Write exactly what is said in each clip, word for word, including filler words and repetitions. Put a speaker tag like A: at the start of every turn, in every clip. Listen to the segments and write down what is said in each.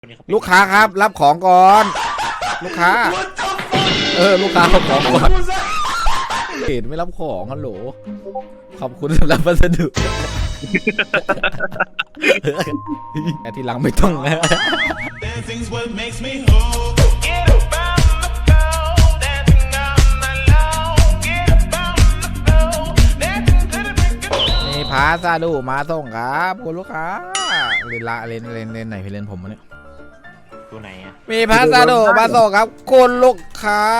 A: ลูกค้าครับรับของก่อนลูกค้าเออลูกค้ารับของก่อนเห็นไม่รับของฮัลโหลขอบคุณสำหรับพัสดุแต่ทีหลังไม่ต้องแล้วมีพาซาดูมาส่งครับคุณลูกค้าเลนละเลนเลนเลนไหนพี่เลนผมวะเนี่ย
B: ตัวไหนอ่ะ
A: มีพาซาดูมาส่งครับคุณลูกค้า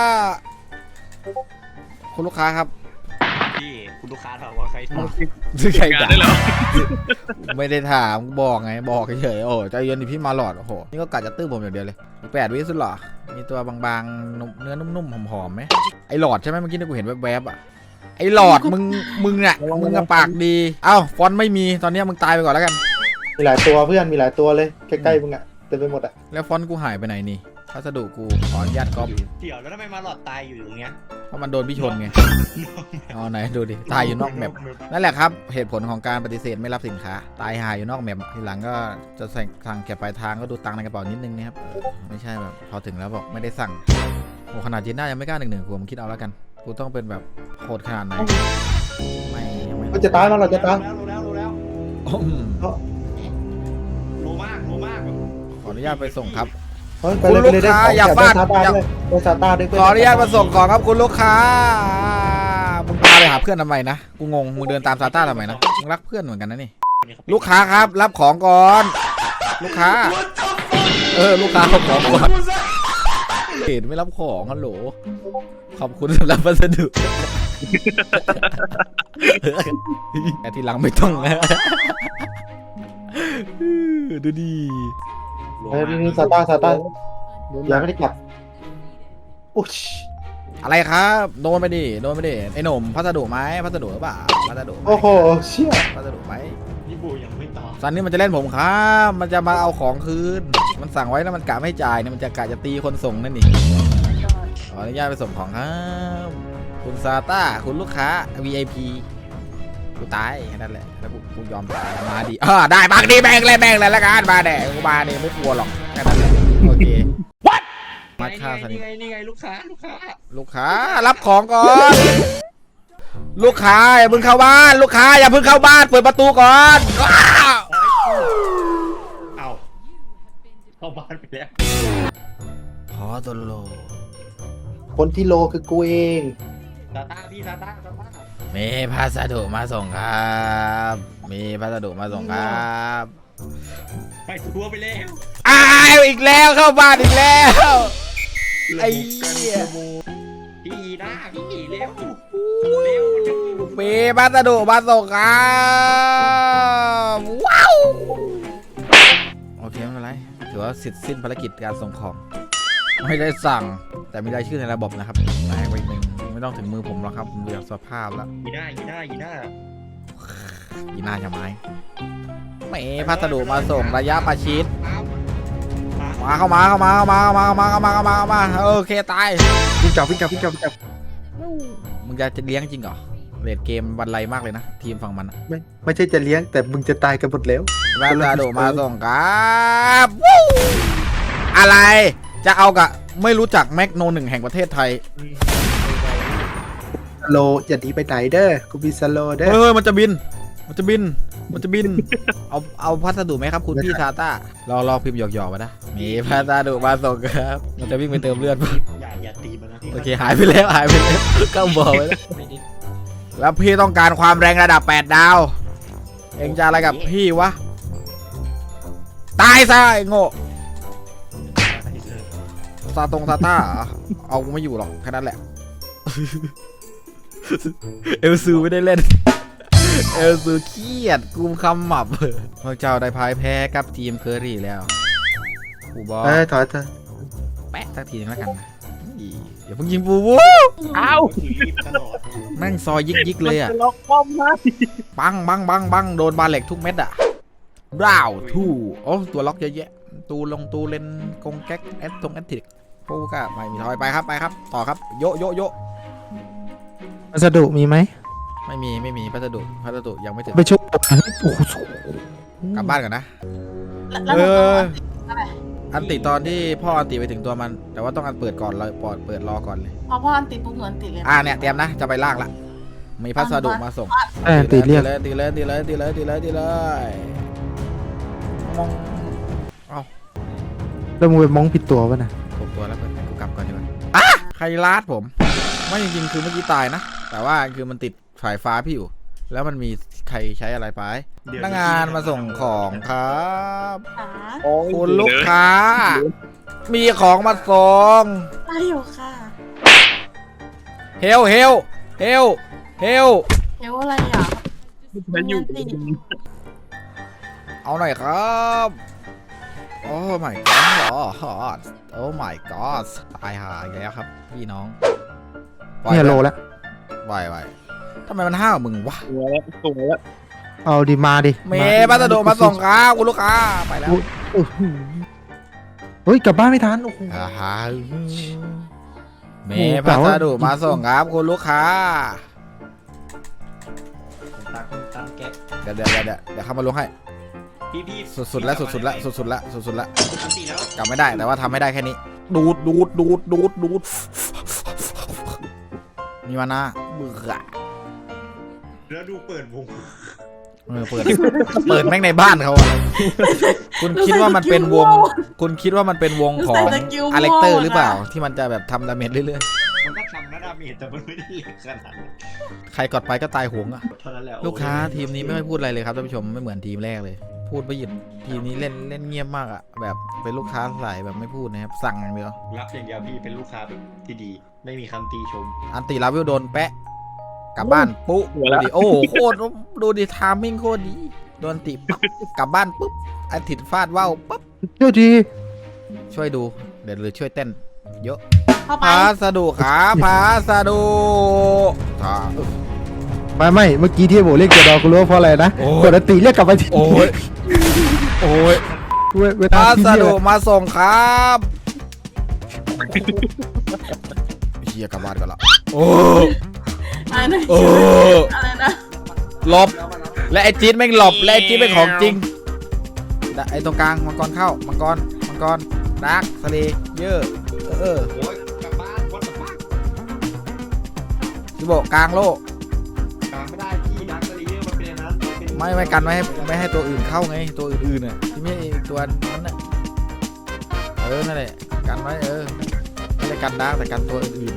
A: คุณลูกค้าครับ
B: พี่คุณลูกค้าถามว่าใครทำ
A: ซื้อใครด่าไม่ได้ถามบอกไงบอกเฉยโอ้ใจเย็นดิพี่มาหลอดโอ้โหนี่ก็กะจะตื้อผมอย่างเดียวเลยแปดวิสุดหรอมีตัวบางๆเนื้อนุ่มๆหอมๆไหมไอหลอดใช่ไหมเมื่อกี้ที่กูเห็นแวบๆอ่ะไอหลอดมึงมึงเนี่ยมึงอะปากดีเอ้าฟอนต์ไม่มีตอนนี้มึงตายไปก่อนแล้วกัน
C: มีหลายตัวเพื่อนมีหลายตัวเลยใกล้ๆมึงอะเต็มไปหมดอะ
A: แล้วฟอนต์กูหายไปไหนนี่พัสดุกูขออนุญาตก๊อป
B: เดี๋ยวแล้วทำไมมาหลอดตายอยู่อย่างเงี้ย
A: เพราะมันโดนพี่ชนไงเอาไหนดูดิตายอยู่นอกแมปนั่นแหละครับเหตุผลของการปฏิเสธไม่รับสินค้าตายหายอยู่นอกแมปทีหลังก็จะสั่งเก็บปลายทางก็ดูตังค์ในกระเป๋านิดนึงนะครับไม่ใช่แบบพอถึงแล้วบอกไม่ได้สั่งโอ้ขนาดจีน่ายังไม่กล้าหนึ่งหนึ่งกูผมคิดเอาแล้วกันกูต้องเป็นแบบโหดขนาดไหนไม่
C: เราจะตายแล้วเราจะตาย
B: รู้แล้วรู้แล้วรู้มากรู้มาก
A: ขออนุญาตไปส่งครับ
C: คุณลูกค้าอย่าฟาดอย่าไปซาตาด้วย
A: ขออนุญาตมาส่งของครับคุณลูกค้ามึงตามไปหาเพื่อนทำไมนะกูงงมึงเดินตามซาต้าทำไมนะมึงรักเพื่อนเหมือนกันนะนี่ลูกค้าครับรับของก่อนลูกค้าเออลูกค้ารับของก่อนเห็นไม่รับของฮัลโหลขอบคุณสำหรับพัสดุแต่ทีหลังไม่ต้องแล้วดูดี
C: เฮ้ยนี่ซาต้าซาต้ายังไม่ได้กลับอุ๊ย
A: อะไรครับโดนไปดิโดนไปดิไอ้หนุ่มพัสดุไหมพัสดุหรือเปล่าพัสดุ
C: โอ้โหเชี่ย
A: พัสดุไหม
B: นี่บูยังไม่ตอบ
A: ซันนี่มันจะเล่นผมครับมันจะมาเอาของคืนมันสั่งไว้แล้วมันกะไม่จ่ายเนี่ยมันจะกะจะตีคนส่งนั่นนี่ขออนุญาตไปส่งของครับคุณซาต้าคุณลูกค้า วี ไอ พี กูตายแค่นั้นแหละแล้วกูกูยอมตายมาดิอ่าได้บางดีแบ่งเลยแบ่งเลยละกันมาแดกกูมาเนี่ยไม่กลัวหรอกแค่นั้นแหละโอเค what
B: มาค่าซันนี่ไงนี่ไงลูกค้าลูกค้า
A: ลูกค้ารับของก่อนลูกค้าอย่าเพิ่งเข้าบ้านลูกค้าอย่าเพิ่งเข้าบ้านเปิดประตูก่อน
B: เอาเข้าบ้านไปแล้ว
A: พอตัวโล
C: คนที่โลคือกูเอง
B: ซาต้าพี่ซาต้าซาต้า
A: มีพัสดุมาส่งครับมีพัสดุมาส่งครับ
B: ไปทัวร์ไปแล้ว
A: อ้าวอีกแล้วเข้าบ้านอีกแล้วไอ้เหี้ย
B: พี่นะพี่เร็วเร็ว
A: มีพัสดุมาส่งครับว้าวโอเคไม่เป็นไรถือว่าเสร็จสิ้นภารกิจการส่งของไม่ได้สั่งแต่มีรายชื่อในระบบนะครับมาให้ไว้หนึ่งไม่ต้องถึงมือผมหรอกครับผมดูจากสภาพแล้ว
B: ยีน่ายีน่ายีน่า
A: ยีน่าจะไม้ไม่พัสดุมาส่งระยะประชิดมาเข้ามาเข้ามาเข้ามาเข้ามาเข้ามาเข้ามาเข้ามาเข้ามาโอเคตาย
C: วิ่งจับวิ่งจับวิ่งจับวิ่งจับ
A: มึงจะจะเลี้ยงจริงเหรอเลดเกมวันไรมากเลยนะทีมฝั่งมัน
C: ไม่ไม่ใช่จะเลี้ยงแต่มึงจะตายกันหมดแล้ว
A: พัสดุมาส่งครับอะไรจะเอากะไม่รู้จักแม็กโนหนึ่งแห่งประเทศไทย
C: สโลอย่าดีไปไหนเด้อกูมีสโลเด้อ
A: เฮ้ยมันจะบินมันจะบินมันจะบินเอาเอาพัสดุไหมครับคุณพี่ซาต้ารอรอพิมพ์หยอกๆมานะมีพัสดุมาส่งครับมันจะวิ่งไปเติมเลือด
B: อย่าอย่าตีมันนะ
A: โอเคหายไปแล้วหายไปแล้วก็บอกไว้แล้วแล้วพี่ต้องการความแรงระดับแปดดาวเอ็งจะอะไรกับพี่วะตายซะไอ้โง่ซาตรงซาต้าเอากูไม่อยู่หรอกแค่นั้นแหละเอลซูไม่ได้เล่นเอลซูเครียดกุมคำหมับพวกเจ้าได้พ่ายแพ้กับทีมเคอรี่แล้วปูบอล
C: เอ้ยถอยเถอะ
A: แปะสักทีนึงแล้วกันนะอย่าเพิ่งยิงปูวู
B: เอา
A: แม่งซอยยิกยิกเลยอ่ะบังบังบังบังโดนบาเล็กทุกเม็ดอ่ะราวทูโอ้ตัวล็อกเยอะแยะตูลงตูเลนกงแก๊กแอดตรงแอดติกปูก็ไม่มีถอยไปครับไปครับต่อครับโยโยโย
C: พัสดุมีไหม
A: ไม่มีไม่มีพัสดุพัสดุยังไม่ถึง
C: ไปชุบ
A: กลับบ้านก่อนนะเอออันติตอนที่พ่ออันติไปถึงตัวมัน แต่ว่าต้องอันเปิดก่อนเลยปอดเปิดรอก่อนเลย
D: พอพ่ออันติดปุ๊บหนูอันติดเลย
A: อ่าเนี่ยเตรียมนะจะไปลากละมีพัสดุมาส่ง
C: เออตีเรียก
A: เลยตีเลยตีเลยตีเลยตีเลยตีเลยมองเอา
C: แล้วมึงไปมองผิดตัวป่ะนะ
A: ผมตัวแล้วเพื่อนกูกลับก่อนดีกว่าอ่ะใครลาดผมไม่จริงๆคือเมื่อกี้ตายนะแต่ว่าคือมันติดสายฟ้าพี่อยู่แล้วมันมีใครใช้อะไรไปพนักงานมาส่งของครับ
D: ค่ะ
A: คุณลูกค้า มีของมาส่ง
D: ได้อยู่ค่ะ
A: เฮลเฮลเฮลเฮล
D: เดี๋ยวอะไรอ่ะ
B: มันอยู่
D: ติด
A: เอาหน่อยครับโอ้ my god เหรอโอ้ my god ตายหาอีกแล้วครับพี่น้อง
C: เนี่ยโลแล้ว
A: ไหวไหวทำไมมันห้าวมึงวะ
B: ตัวแล้วตัวแล้ว
C: เอาดิมาดิ
A: เมย์พัสดุมาส่งครับคุณลูกค้าไปแล้ว
C: โอ้โหเฮ้ยกลับบ้านไม่ทันโอ้โห
A: อ่าฮะเมย์พัสดุมาส่งครับคุณลูกค้า
B: ตามตามแกะ
A: เดี๋ยวเดี๋ยวเดี๋ยวเดี๋ยวเข้ามาลงให้
B: พี่พี่
A: สุดๆแล้วสุดๆแล้วสุดๆแล้วสุดๆแล้ว
B: อันตีแล้ว
A: กลับไม่ได้แต่ว่าทำไม่ได้แค่นี้ ดูดดูดดูดดูดดูดมีมานะเบื่อ
B: แล้วดูเปิดวง
A: เออเปิดเปิดแม่งในบ้านเขาอะคุณคิดว่ามันเป็นวง คุณคิดว่ามันเป็นวงของอเล็กเตอร์หรือเปล่า ที่มันจะแบบทำดาเมจเรื่อย
B: มันก็ทำนะดาเมจแต่มันไม่ได้เล็กขนาดนั้น
A: ๆใครกดไปก็ตายหงอะ
B: เท่านั้นแหละ
A: ลูกค้าทีมนี้ไม่ค่อยพูดอะไรเลยครับท่านผู้ชมไม่เหมือนทีมแรกเลย พูดไม่หยุดทีมนี้เล่นเล่นเงียบมากอะแบบเป็นลูกค้าใส่แบบไม่พูดนะครับสั่งอย่างเดียว
B: รับอย่างเดียวพี่เป็นลูกค้าแบบที่ดี ไม่มีคำตีชม
A: อันติลาวิวโดนแปะกลับบ้านปุ๊บดูดิโอ้โหโคตรดูดิทามมิ่งโคตรดีโดนติปั๊บกลับบ้านปุ๊บอันติฟาดว่าวปุ๊บ
C: เดี๋ยวดี
A: ช่วยดูเดี๋ยวหรือช่วยเต้นเยอะ
D: เข้าไป
A: พาสดุขาพาสดุขา
C: ไม่ไม่เมื่อกี้ที่โบเรียกเจดอกูรู้ว่าเพราะอะไรนะ
A: โอ้ย
C: ปกติเรียกกลับไปที่
A: โอ้ยโอ้ย
C: เวเวลา
A: พา
C: ที่
A: ส
C: เรีย
A: ดุ
C: ก
A: มาส่งครับเฮียกลับบ้านกันละโอ้
D: อะไรนะ
A: โอ้
D: อะไรนะ
A: หลบและไอจี๊ดแม่งหลบและไอจี๊ดเป็นของจริงไอตรงกลางมังกรเข้ามังกรมังกรดาร์กทะเลเยอะเออ
B: โอ้ยกลับบ้านวัดกลับบ้าน
A: ซิโบกลางโลก
B: กลางไม่ได้พี่ดักสลีเยอร์มันเป็นอย่างนั้นเป็น
A: ไม่ไม่กันไม่ให้ไม่ให้ตัวอื่นเข้าไงตัวอื่นๆน่ะที่ไม่ใช่ตัวนั้นน่ะเออนั่นแหละกันไว้เออไม่ได้กันดาร์กแต่กันตัวอื่น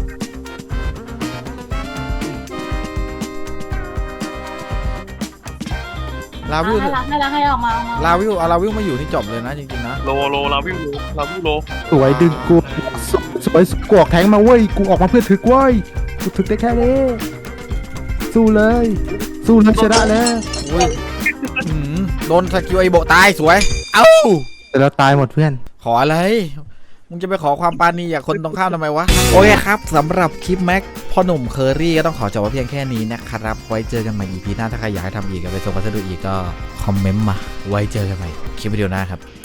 A: ๆลาวิว
D: ให้รักให้รักให้ออกมาออกมา
A: ลาวิวเอาลาวิวมาอยู่ที่จบเลยนะจริงๆนะ
E: โลโลลาวิวโลลาวิวโล
C: สวยดึงกูสสวยกูออกแทงมาเว้ยกูออกมาเพื่อถึกเว้ยกูถึกได้แค่นี้สู้เลย สู้เลยชนะแล้ว
A: อุ้ยอื้อหือโดนสกิลไอโบตายสวยเอ้า
C: แต่เราตายหมดเพื่อน
A: ขออะไร มึงจะไปขอความปราณีจากคนตรงข้ามทำไมวะ โอเคครับสำหรับคลิปแม็กพ่อหนุ่มเคอรี่ก็ต้องขอจบไว้เพียงแค่นี้นะครับ ไว้เจอกันใหม่ อี พี หน้าถ้าใครอยากให้ทำอีกกับไปส่งพัสดุอีกก็คอมเมนต์มา ไว้เจอกันใหม่คลิปวิดีโอหน้าครับ